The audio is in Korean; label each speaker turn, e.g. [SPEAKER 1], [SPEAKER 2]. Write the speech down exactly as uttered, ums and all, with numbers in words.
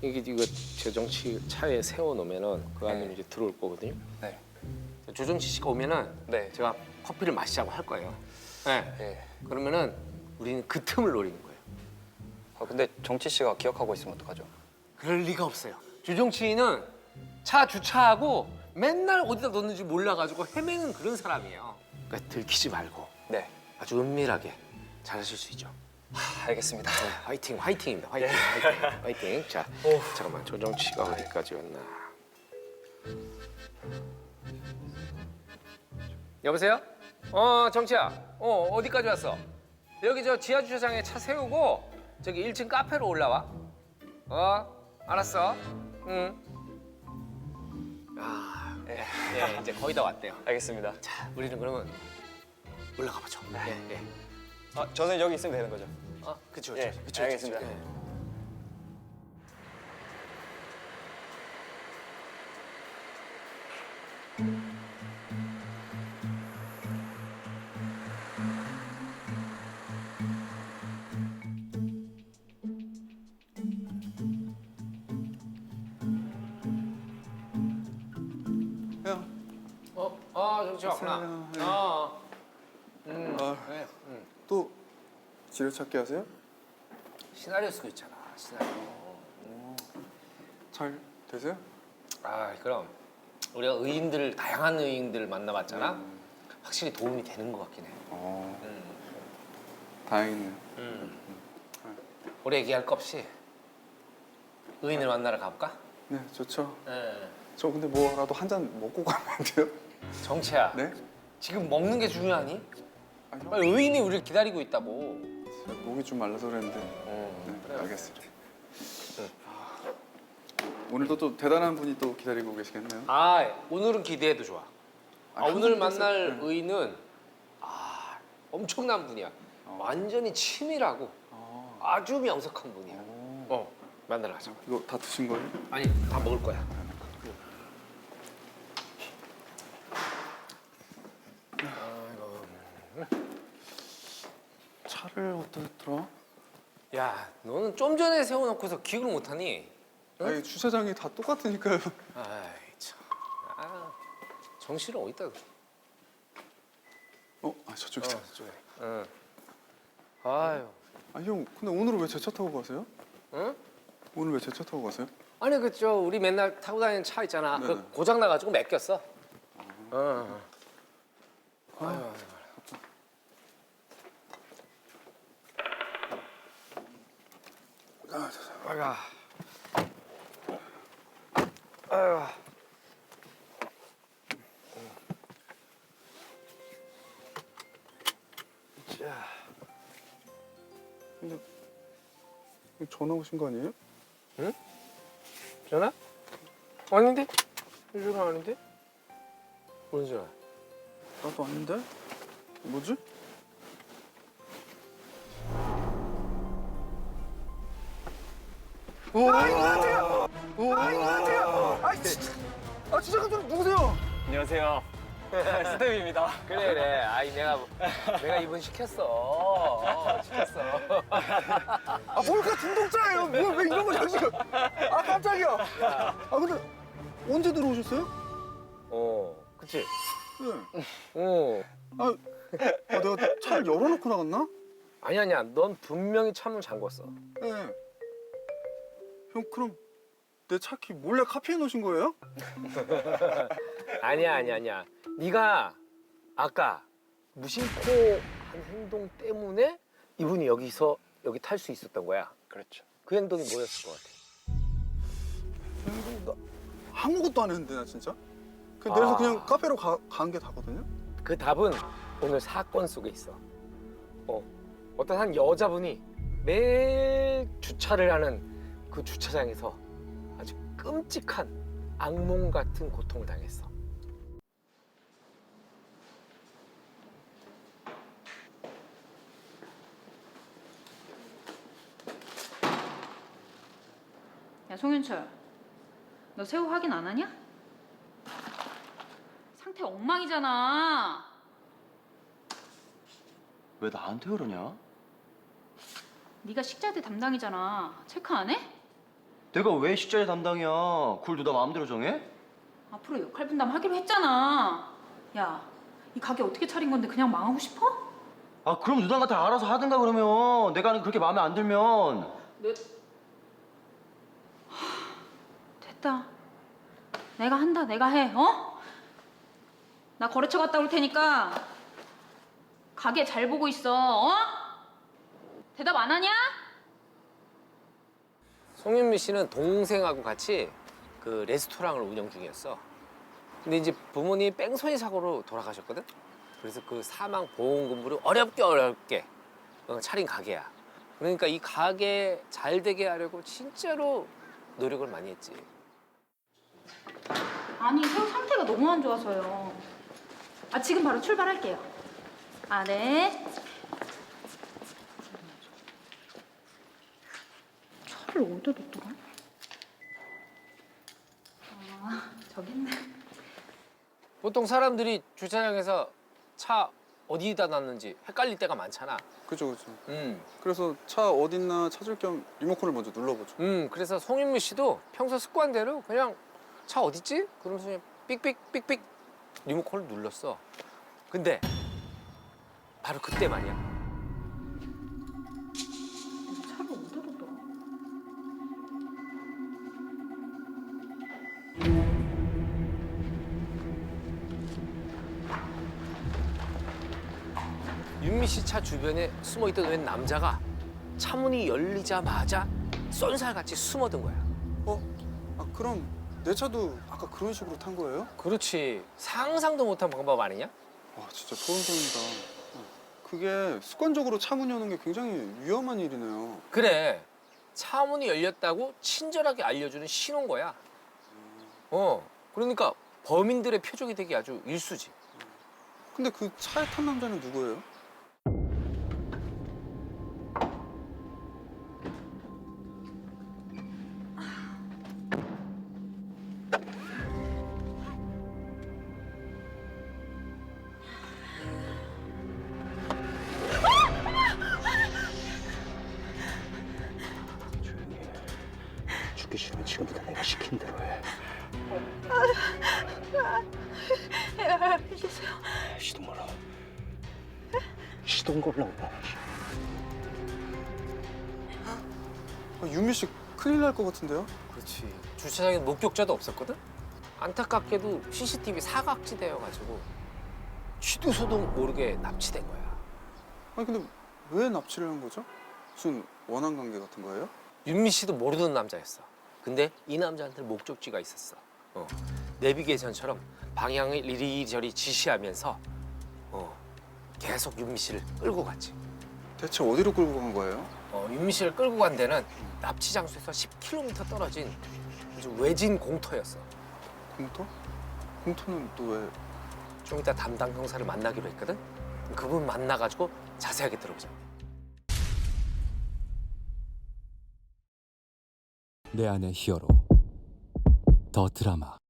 [SPEAKER 1] 이게 이거 조정치 차에 세워 놓으면은 그 안으로
[SPEAKER 2] 네.
[SPEAKER 1] 이제 들어올 거거든요.
[SPEAKER 2] 네.
[SPEAKER 1] 조정치 씨가 오면은
[SPEAKER 2] 네.
[SPEAKER 1] 제가 커피를 마시자고 할 거예요. 네.
[SPEAKER 2] 예.
[SPEAKER 1] 그러면은 우리는 그 틈을 노리는 거예요.
[SPEAKER 2] 아, 근데 정치 씨가 기억하고 있으면 어떡하죠?
[SPEAKER 1] 그럴 리가 없어요. 조정치는 차 주차하고 맨날 어디다 넣는지 몰라가지고 헤매는 그런 사람이에요. 그러니까 들키지 말고
[SPEAKER 2] 네.
[SPEAKER 1] 아주 은밀하게 잘하실 수 있죠.
[SPEAKER 2] 하, 알겠습니다.
[SPEAKER 1] 네, 화이팅, 화이팅입니다. 화이팅, 화이팅, 화이팅. 자,
[SPEAKER 2] 오.
[SPEAKER 1] 잠깐만 조정치가 어디까지 왔나? 여보세요? 어, 정치야. 어, 어디까지 왔어? 여기 저 지하 주차장에 차 세우고 저기 일 층 카페로 올라와. 어, 알았어. 응. 아,
[SPEAKER 2] 예.
[SPEAKER 1] 예, 이제 거의 다 왔대요.
[SPEAKER 2] 알겠습니다.
[SPEAKER 1] 자, 우리는 그러면 올라가 보죠. 예, 예.
[SPEAKER 2] 아, 저는 여기 있으면 되는 거죠?
[SPEAKER 1] 아, 그쵸,
[SPEAKER 2] 예,
[SPEAKER 1] 그쵸, 그쵸.
[SPEAKER 2] 알겠습니다.
[SPEAKER 1] 그쵸. 예.
[SPEAKER 3] 형,
[SPEAKER 1] 어, 아, 정치 왔구나.
[SPEAKER 3] 왔어요. 네.
[SPEAKER 1] 어, 음,
[SPEAKER 3] 아.
[SPEAKER 1] 그래, 음.
[SPEAKER 3] 또 지뢰찾기 하세요?
[SPEAKER 1] 시나리오 쓰고 있잖아, 시나리오.
[SPEAKER 3] 잘 되세요?
[SPEAKER 1] 아, 그럼 우리가 의인들 다양한 의인들을 만나봤잖아. 확실히 도움이 되는 것 같긴 해.
[SPEAKER 3] 어,
[SPEAKER 1] 음,
[SPEAKER 3] 다행이네요.
[SPEAKER 1] 음. 오래 얘기할 거 없이 의인을 만나러 가볼까?
[SPEAKER 3] 네, 좋죠.
[SPEAKER 1] 예.
[SPEAKER 3] 저 근데 뭐라도 한 잔 먹고 가면 안 돼요?
[SPEAKER 1] 정채야,
[SPEAKER 3] 네?
[SPEAKER 1] 지금 먹는 게 중요하니?
[SPEAKER 3] 아, 형,
[SPEAKER 1] 빨리 의인이 우리를 기다리고 있다고.
[SPEAKER 3] 제가 목이 좀 말라서 그랬는데.
[SPEAKER 1] 음,
[SPEAKER 3] 네,
[SPEAKER 1] 그래.
[SPEAKER 3] 알겠습니다. 아, 오늘도 또 대단한 분이 또 기다리고 계시겠네요.
[SPEAKER 1] 아, 오늘은 기대해도 좋아. 아, 오늘
[SPEAKER 3] 항상
[SPEAKER 1] 만날
[SPEAKER 3] 그랬어요. 네.
[SPEAKER 1] 의인은 아, 엄청난 분이야.
[SPEAKER 3] 어.
[SPEAKER 1] 완전히 치밀하고
[SPEAKER 3] 어.
[SPEAKER 1] 아주 명석한 분이야.
[SPEAKER 3] 어.
[SPEAKER 1] 어, 만나러 가자.
[SPEAKER 3] 이거 다 드신 거예요?
[SPEAKER 1] 아니, 다 먹을 거야.
[SPEAKER 3] 차를 어디다 들어?
[SPEAKER 1] 야, 너는 좀 전에 세워놓고서 기억을 못하니? 응?
[SPEAKER 3] 아니 주차장이 다 똑같으니까요.
[SPEAKER 1] 아이 참. 아, 정신을 어디다?
[SPEAKER 3] 어, 아 저쪽이다.
[SPEAKER 1] 어, 저쪽에. 응. 아유,
[SPEAKER 3] 아 형, 근데 오늘은 왜 제 차 타고 가세요?
[SPEAKER 1] 응?
[SPEAKER 3] 오늘 왜 제 차 타고 가세요?
[SPEAKER 1] 아니 그저 우리 맨날 타고 다니는 차 있잖아.
[SPEAKER 3] 네네.
[SPEAKER 1] 그 고장 나가지고 맡겼어. 어. 아유, 아유.
[SPEAKER 3] 아,
[SPEAKER 1] 아가. 아유. 자.
[SPEAKER 3] 근데 이거 전화 오신 거 아니에요?
[SPEAKER 1] 전화? 아닌데? 전화 아닌데? 무슨 전화?
[SPEAKER 3] 나도 아닌데? 뭐지? 오! 아 이거 같아요! 오! 아 이거 같아요! 아 진짜! 아 진짜 깜짝 누구세요?
[SPEAKER 2] 안녕하세요. 스텝입니다.
[SPEAKER 1] 그래 그래. 아이 내가 내가 이분 시켰어. 어, 시켰어.
[SPEAKER 3] 아 뭘까 중독자예요? 뭘 왜 이런 거 자주? 아 깜짝이야. 아 근데 언제 들어오셨어요?
[SPEAKER 1] 어, 그치?
[SPEAKER 3] 네.
[SPEAKER 1] 어.
[SPEAKER 3] 아, 아 내가 차를 열어놓고 나갔나?
[SPEAKER 1] 아니 아니야. 넌 분명히 차문 잠궜어.
[SPEAKER 3] 네. 형 그럼 내 차 키 몰래 카피해 놓으신 거예요?
[SPEAKER 1] 아니야 아니야 아니야. 네가 아까 무심코한 행동 때문에 이분이 여기서 여기 탈 수 있었던 거야.
[SPEAKER 2] 그렇죠.
[SPEAKER 1] 그 행동이 뭐였을 것 같아?
[SPEAKER 3] 형, 나 아무것도 안 했는데 나 진짜. 그냥 내려서
[SPEAKER 1] 아.
[SPEAKER 3] 그냥 카페로 간 게 다거든요.
[SPEAKER 1] 그 답은 오늘 사건 속에 있어. 어, 어떤 한 여자분이 매일 주차를 하는 그 주차장에서 아주 끔찍한 악몽 같은 고통을 당했어.
[SPEAKER 4] 야 송윤철, 너 새우 확인 안 하냐? 상태 엉망이잖아.
[SPEAKER 5] 왜 나한테 그러냐?
[SPEAKER 4] 네가 식자재 담당이잖아. 체크 안 해?
[SPEAKER 5] 내가 왜 식자재 담당이야? 그걸 누가 마음대로 정해?
[SPEAKER 4] 앞으로 역할 분담하기로 했잖아. 야, 이 가게 어떻게 차린 건데 그냥 망하고 싶어?
[SPEAKER 5] 아 그럼 누나가 다 알아서 하든가 그러면. 내가 그렇게 마음에 안 들면.
[SPEAKER 4] 내... 하, 됐다. 내가 한다. 내가 해. 어? 나 거래처 갔다 올 테니까 가게 잘 보고 있어. 어? 대답 안 하냐?
[SPEAKER 1] 송윤미 씨는 동생하고 같이 그 레스토랑을 운영 중이었어. 근데 이제 부모님이 뺑소니 사고로 돌아가셨거든. 그래서 그 사망 보험금으로 어렵게 어렵게 어, 차린 가게야. 그러니까 이 가게 잘 되게 하려고 진짜로 노력을 많이 했지.
[SPEAKER 4] 아니, 새우 상태가 너무 안 좋아서요. 아, 지금 바로 출발할게요. 아, 네. 차를 어디다 뒀더라? 아, 저기 있네.
[SPEAKER 1] 보통 사람들이 주차장에서 차 어디다 놨는지 헷갈릴 때가 많잖아.
[SPEAKER 3] 그죠, 그죠.
[SPEAKER 1] 음,
[SPEAKER 3] 그래서 차 어딨나 찾을 겸 리모컨을 먼저 눌러보죠.
[SPEAKER 1] 음, 그래서 송윤미 씨도 평소 습관대로 그냥 차 어딨지? 그러면서 그냥 삑삑 삑삑 리모컨을 눌렀어. 근데 바로 그때 말이야.
[SPEAKER 4] 내가 차를 어디다 뒀더라?
[SPEAKER 1] 윤미 씨 차 주변에 숨어있던 웬 남자가 차 문이 열리자마자 쏜살같이 숨어든 거야.
[SPEAKER 3] 어? 아 그럼 내 차도 아까 그런 식으로 탄 거예요?
[SPEAKER 1] 그렇지. 상상도 못한 방법 아니냐?
[SPEAKER 3] 와 진짜 소름 돋는다. 그게 습관적으로 차 문 여는 게 굉장히 위험한 일이네요.
[SPEAKER 1] 그래. 차 문이 열렸다고 친절하게 알려주는 신호인 거야. 어. 그러니까 범인들의 표적이 되기 아주 일수지.
[SPEAKER 3] 근데 그 차에 탄 남자는 누구예요?
[SPEAKER 5] 죽기 싫으면 지금부터 내가 시킨 대로 해.
[SPEAKER 4] 알겠어요.
[SPEAKER 5] 시도 몰라. 시동 걸라고.
[SPEAKER 3] 아, 유미 씨 큰일 날 것 같은데요?
[SPEAKER 1] 그렇지. 주차장에 목격자도 없었거든? 안타깝게도 씨씨티비 사각지대여가지고 취도 소도 모르게 납치된 거야.
[SPEAKER 3] 아니 근데 왜 납치를 한 거죠? 무슨 원한 관계 같은 거예요?
[SPEAKER 1] 윤미 씨도 모르는 남자였어. 근데 이 남자한테 목적지가 있었어. 어. 내비게이션처럼 방향을 이리저리 지시하면서 어, 계속 윤미 씨를 끌고 갔지.
[SPEAKER 3] 대체 어디로 끌고 간 거예요?
[SPEAKER 1] 어, 윤미 씨를 끌고 간 데는 납치 장소에서 십 킬로미터 떨어진 아주 외진 공터였어.
[SPEAKER 3] 공터? 공터는 또 왜?
[SPEAKER 1] 좀 이따 담당 형사를 만나기로 했거든. 그분 만나가지고 자세하게 들어보자.
[SPEAKER 6] 내 안의 히어로 더 드라마